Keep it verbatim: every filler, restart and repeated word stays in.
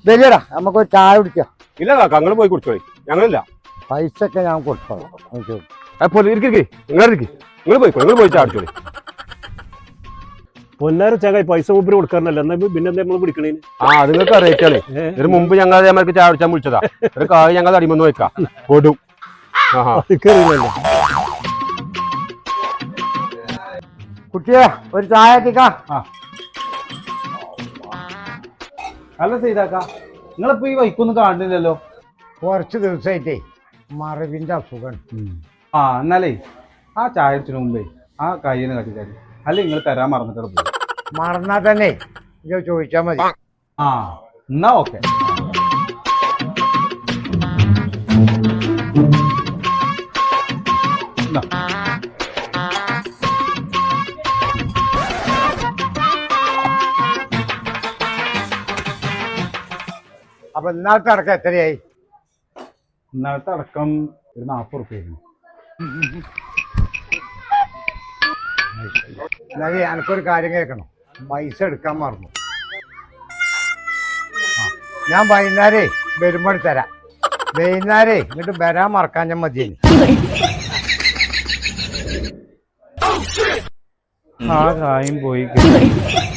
വലിയടാ നമുക്ക് ഒരു ചായ കുടിക്കാം. ഇല്ല കാക്ക നിങ്ങൾ പോയി കുടിച്ചോളി, ഞങ്ങളില്ല. പൈസ ഒക്കെ ഞാൻ കൊടുത്തോളാം. അപ്പോൾ ഇരിക്കേ നിങ്ങൾ ഇരിക്കും, നിങ്ങൾ പോയിക്കോ, നിങ്ങൾ പോയി ചായ കുടിച്ചോളി. പൊന്നാര ചാകായി പൈസ മുമ്പിൽ കൊടുക്കാറില്ല, എന്നാ പിന്നെ എന്താ നമ്മൾ പിടിക്കണേ? ആ അത് നിങ്ങൾക്ക് അറിയിക്കാണ്. ഇതിന് മുമ്പ് ഞങ്ങൾ അതേമാർക്ക് ചായ കുടിച്ചാൽ വിളിച്ചതാ. ഒരു കായ് ഞങ്ങൾ അടിമന്ന് വെക്കാം കൊടും. കുട്ടിയെ ഒരു ചായ എത്തിക്കാം. അല്ല സൈതാക്ക, നിങ്ങളിപ്പോ ഈ വൈക്കൊന്നും കാണുന്നില്ലല്ലോ. കുറച്ച് ദിവസമായിട്ടേ മറവിന്റെ അസുഖം. ആ എന്നാലേ ആ ചായ അടിച്ചതിന് മുമ്പേ ആ കയ്യിന് കട്ടിക്കാരി അല്ല നിങ്ങൾ തരാൻ മറന്നിട്ട് പോയി. മറന്നാ തന്നെ ഇത് ചോദിച്ചാ മതി. ആ എന്നാ ഓക്കെ. അപ്പൊ ഇന്നാളത്തെ അടക്കം എത്രയായി? ഇന്നലത്തെ അടക്കം ഒരു നാൽപ്പത് റുപ്യായിരുന്നു. എന്നാലും എനിക്കൊരു കാര്യം കേൾക്കണം, പൈസ എടുക്കാൻ മറന്നു. ഞാൻ വൈകുന്നേരേ വരുമ്പോൾ തരാം. വൈകുന്നേരേ ഇങ്ങോട്ട് വരാൻ മറക്കാൻ ഞാൻ മതി. ആ കായും പോയി.